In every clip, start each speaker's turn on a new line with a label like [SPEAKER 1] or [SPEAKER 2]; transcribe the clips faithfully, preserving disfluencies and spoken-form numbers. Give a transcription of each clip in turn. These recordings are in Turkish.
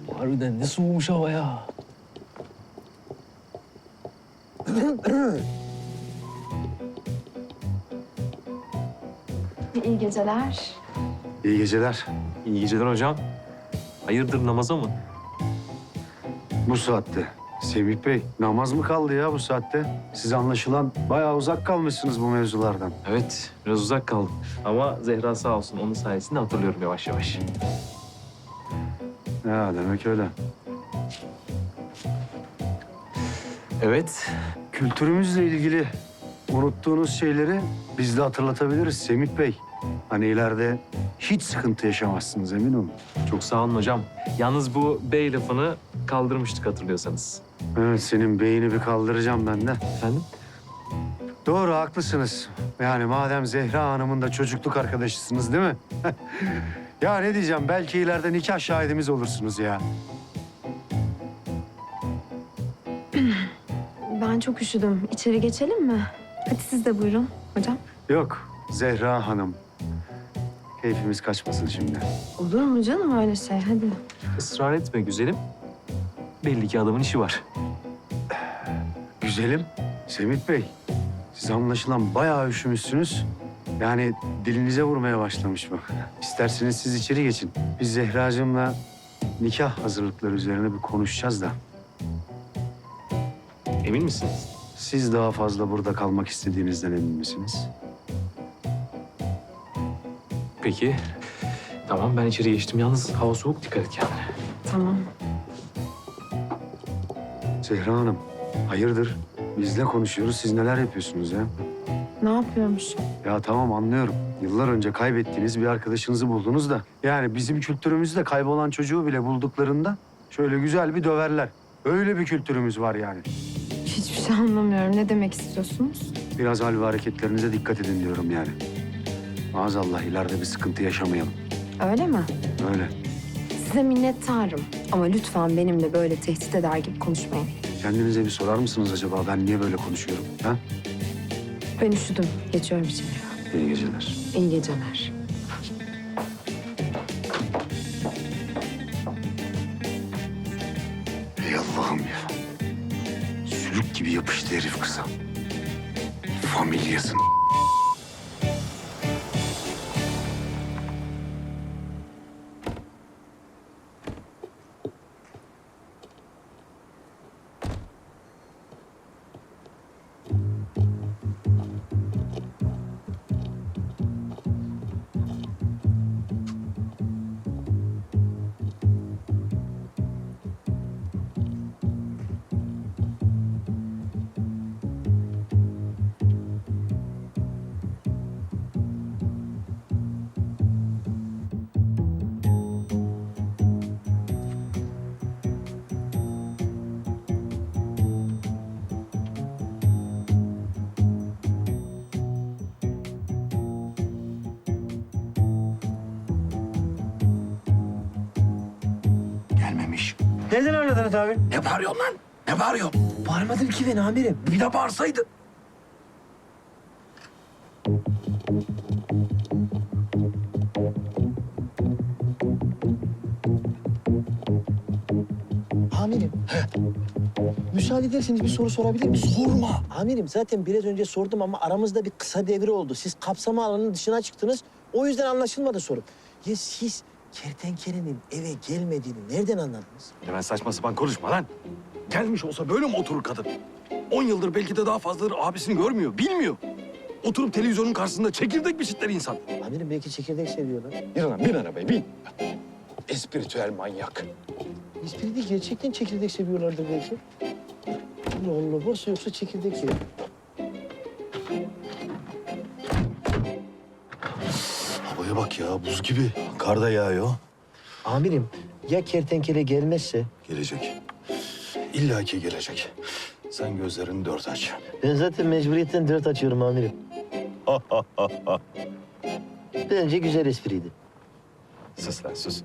[SPEAKER 1] Harbiden ne soğumuş hava ya.
[SPEAKER 2] İyi geceler.
[SPEAKER 3] İyi geceler.
[SPEAKER 1] İyi geceler hocam. Hayırdır, namaza mı?
[SPEAKER 3] Bu saatte. Semih Bey, namaz mı kaldı ya bu saatte? Siz anlaşılan bayağı uzak kalmışsınız bu mevzulardan.
[SPEAKER 1] Evet, biraz uzak kaldım. Ama Zehra sağ olsun, onun sayesinde hatırlıyorum yavaş yavaş.
[SPEAKER 3] Ya demek öyle.
[SPEAKER 1] Evet.
[SPEAKER 3] Kültürümüzle ilgili unuttuğunuz şeyleri biz de hatırlatabiliriz Semih Bey. Hani ileride hiç sıkıntı yaşamazsınız emin olun.
[SPEAKER 1] Çok sağ olun hocam. Yalnız bu bey lafını kaldırmıştık hatırlıyorsanız.
[SPEAKER 3] Evet, senin beyni bir kaldıracağım ben de.
[SPEAKER 1] Efendim?
[SPEAKER 3] Doğru, haklısınız. Yani madem Zehra Hanım'ın da çocukluk arkadaşısınız değil mi? Ya ne diyeceğim, belki ileride nikah şahidimiz olursunuz ya.
[SPEAKER 2] Ben çok üşüdüm. İçeri geçelim mi? Hadi siz de buyurun hocam.
[SPEAKER 3] Yok, Zehra Hanım. Keyfimiz kaçmasın şimdi.
[SPEAKER 2] Olur mu canım öyle şey? Hadi.
[SPEAKER 1] Israr etme güzelim. Belli ki adamın işi var.
[SPEAKER 3] Güzelim, Semih Bey. Siz anlaşılan bayağı üşümüşsünüz. Yani dilinize vurmaya başlamış bu. İsterseniz siz içeri geçin. Biz Zehracığımla nikah hazırlıkları üzerine bir konuşacağız da.
[SPEAKER 1] Emin misiniz?
[SPEAKER 3] Siz daha fazla burada kalmak istediğinizden emin misiniz?
[SPEAKER 1] Peki. Tamam, ben içeri geçtim. Yalnız hava soğuk, dikkat et kendine.
[SPEAKER 2] Tamam.
[SPEAKER 3] Zehra Hanım, hayırdır? Bizle konuşuyoruz, siz neler yapıyorsunuz ya?
[SPEAKER 2] Ne yapıyormuş?
[SPEAKER 3] Ya tamam, anlıyorum. Yıllar önce kaybettiğiniz bir arkadaşınızı buldunuz da. Yani bizim kültürümüzde kaybolan çocuğu bile bulduklarında şöyle güzel bir döverler. Öyle bir kültürümüz var yani.
[SPEAKER 2] Hiçbir şey anlamıyorum. Ne demek istiyorsunuz?
[SPEAKER 3] Biraz hal ve hareketlerinize dikkat edin diyorum yani. Maazallah ileride bir sıkıntı yaşamayalım.
[SPEAKER 2] Öyle mi?
[SPEAKER 3] Öyle.
[SPEAKER 2] Size minnettarım. Ama lütfen benimle böyle tehdit eder gibi konuşmayın.
[SPEAKER 3] Kendinize bir sorar mısınız acaba ben niye böyle konuşuyorum? Ha?
[SPEAKER 2] Ben üşüdüm. Geçiyorum içeri.
[SPEAKER 3] İyi geceler.
[SPEAKER 2] İyi geceler.
[SPEAKER 3] Ey Allah'ım ya. Sülük gibi yapıştı herif kıza. Familyasın.
[SPEAKER 4] Gelmemiş.
[SPEAKER 5] Nereden anladınız abi?
[SPEAKER 4] Ne bağırıyorsun lan? Ne bağırıyorsun?
[SPEAKER 5] Bağırmadım ki ben amirim.
[SPEAKER 4] Bir de bağırsaydı.
[SPEAKER 5] Amirim. Müsaade ederseniz bir soru sorabilir miyim?
[SPEAKER 4] Sorma.
[SPEAKER 5] Amirim zaten biraz önce sordum ama aramızda bir kısa devre oldu. Siz kapsama alanının dışına çıktınız. O yüzden anlaşılmadı sorum. Ya siz kertenkelenin eve gelmediğini nereden anladınız?
[SPEAKER 4] Hemen saçma sapan konuşma lan. Gelmiş olsa böyle mi oturur kadın? On yıldır belki de daha fazladır abisini görmüyor, bilmiyor. Oturup televizyonun karşısında çekirdek biçitler insan.
[SPEAKER 5] Amirim belki çekirdek seviyorlar.
[SPEAKER 4] Bin lan, bin arabaya, bin. Espiritüel manyak.
[SPEAKER 5] Espri değil, gerçekten çekirdek seviyorlardır belki. Allah Allah, varsa yoksa çekirdek yiyor.
[SPEAKER 4] Havaya bak ya, buz gibi. Kar da yağıyor.
[SPEAKER 5] Amirim, ya kertenkele gelmezse?
[SPEAKER 4] Gelecek. İlla ki gelecek. Sen gözlerini dört aç.
[SPEAKER 5] Ben zaten mecburiyetten dört açıyorum amirim. Bence güzel espriydi.
[SPEAKER 4] Sus lan, sus.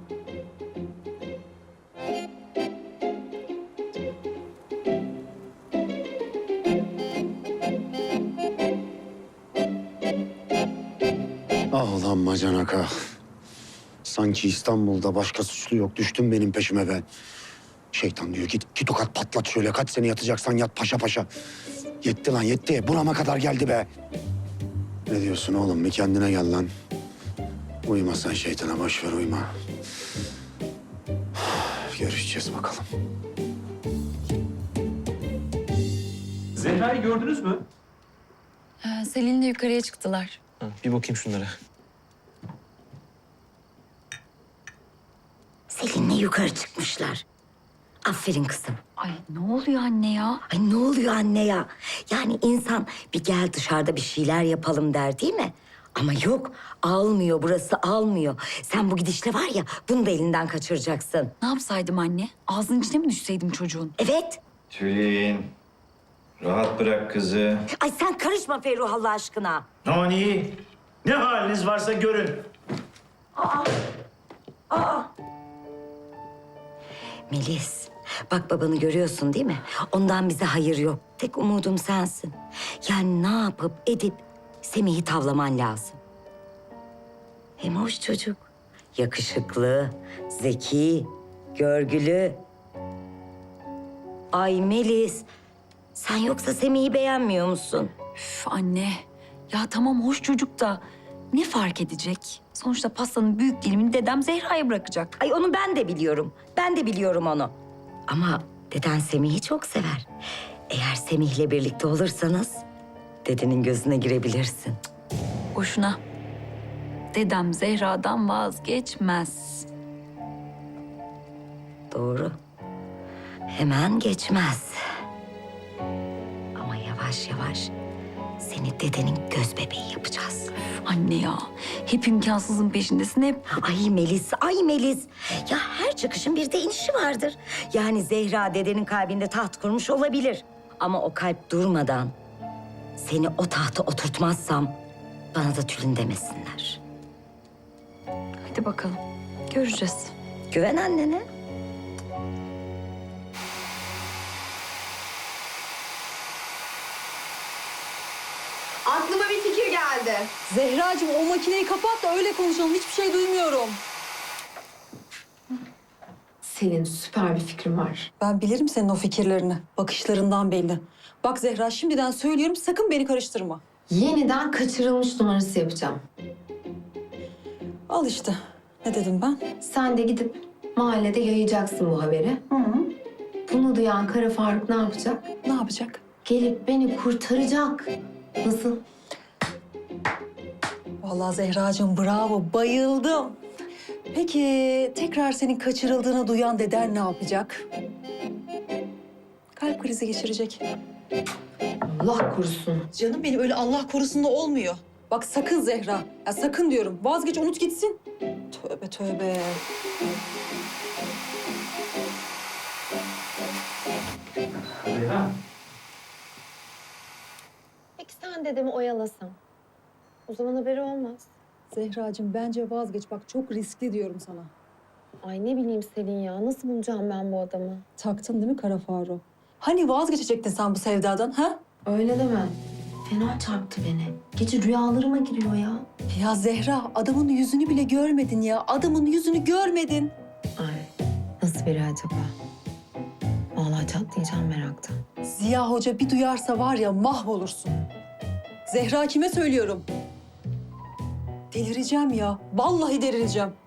[SPEAKER 3] Ah ulan bacanak ah. Sanki İstanbul'da başka suçlu yok. Düştün benim peşime ben. Şeytan diyor git, git tokat patlat şöyle. Kaç sene yatacaksan yat paşa paşa. Yetti lan yetti. Burama kadar geldi be. Ne diyorsun oğlum? Bir kendine gel lan. Uyuma sen şeytana. Boş ver uyuma. Görüşeceğiz bakalım.
[SPEAKER 1] Zehra'yı gördünüz mü?
[SPEAKER 6] Ee, Selin'le yukarıya çıktılar.
[SPEAKER 1] Ha, bir bakayım şunlara.
[SPEAKER 7] Selin'le yukarı çıkmışlar. Aferin kızım.
[SPEAKER 6] Ay ne oluyor anne ya?
[SPEAKER 7] Ay ne oluyor anne ya? Yani insan bir gel dışarıda bir şeyler yapalım der değil mi? Ama yok, almıyor burası almıyor. Sen bu gidişle var ya bunu da elinden kaçıracaksın.
[SPEAKER 6] Ne yapsaydım anne? Ağzının içine mi düşseydim çocuğun?
[SPEAKER 7] Evet.
[SPEAKER 8] Tülin, rahat bırak kızı.
[SPEAKER 7] Ay sen karışma Ferruh Allah aşkına.
[SPEAKER 8] Aman iyi. Ne haliniz varsa görün.
[SPEAKER 7] Melis, bak babanı görüyorsun değil mi? Ondan bize hayır yok. Tek umudum sensin. Yani ne yapıp edip Semih'i tavlaman lazım. Hem hoş çocuk. Yakışıklı, zeki, görgülü. Ay Melis, sen yoksa Semih'i beğenmiyor musun?
[SPEAKER 6] Üf anne. Ya tamam hoş çocuk da ne fark edecek? Sonuçta pastanın büyük dilimini dedem Zehra'ya bırakacak.
[SPEAKER 7] Ay onu ben de biliyorum. Ben de biliyorum onu. Ama deden Semih'i çok sever. Eğer Semih'le birlikte olursanız dedenin gözüne girebilirsin.
[SPEAKER 6] Boşuna. Dedem Zehra'dan vazgeçmez.
[SPEAKER 7] Doğru. Hemen geçmez. Ama yavaş yavaş seni dedenin göz bebeği yapacağız.
[SPEAKER 6] Anne ya, hep imkansızın peşindesin hep.
[SPEAKER 7] Ay Melis, ay Melis. Ya her çıkışın bir de inişi vardır. Yani Zehra dedenin kalbinde taht kurmuş olabilir. Ama o kalp durmadan seni o tahta oturtmazsam bana da Tülin demesinler.
[SPEAKER 6] Hadi bakalım, göreceğiz.
[SPEAKER 7] Güven annene.
[SPEAKER 2] Aklıma bir fikir geldi.
[SPEAKER 9] Zehracığım o makineyi kapat da öyle konuşalım. Hiçbir şey duymuyorum.
[SPEAKER 2] Selin, süper bir fikrim var.
[SPEAKER 9] Ben bilirim senin o fikirlerini. Bakışlarından belli. Bak Zehra şimdiden söylüyorum sakın beni karıştırma.
[SPEAKER 2] Yeniden kaçırılmış numarası yapacağım.
[SPEAKER 9] Al işte. Ne dedim ben?
[SPEAKER 2] Sen de gidip mahallede yayacaksın bu haberi.
[SPEAKER 9] Hı hı.
[SPEAKER 2] Bunu duyan Kara Faruk ne yapacak?
[SPEAKER 9] Ne yapacak?
[SPEAKER 2] Gelip beni kurtaracak. Nasıl?
[SPEAKER 9] Vallahi Zehracığım bravo. Bayıldım. Peki tekrar senin kaçırıldığını duyan deden ne yapacak? Kalp krizi geçirecek.
[SPEAKER 2] Allah korusun.
[SPEAKER 9] Canım benim öyle Allah korusun da olmuyor. Bak sakın Zehra. Ya sakın diyorum. Vazgeç unut gitsin. Tövbe tövbe.
[SPEAKER 1] Zehra.
[SPEAKER 2] Peki sen dedemi oyalasan? O zaman haberi olmaz.
[SPEAKER 9] Zehracığım bence vazgeç. Bak çok riskli diyorum sana.
[SPEAKER 2] Ay ne bileyim Selin ya. Nasıl bulacağım ben bu adamı?
[SPEAKER 9] Taktın değil mi Kara Faruk? Hani vazgeçecektin sen bu sevdadan ha?
[SPEAKER 2] Öyle deme. Fena çarptı beni. Gece rüyalarıma giriyor ya.
[SPEAKER 9] Ya Zehra adamın yüzünü bile görmedin ya. Adamın yüzünü görmedin.
[SPEAKER 2] Ay nasıl biri acaba? Vallahi çatlayacağım meraktan.
[SPEAKER 9] Ziya Hoca bir duyarsa var ya mahvolursun. Zehra kime söylüyorum? Delireceğim ya. Vallahi delireceğim.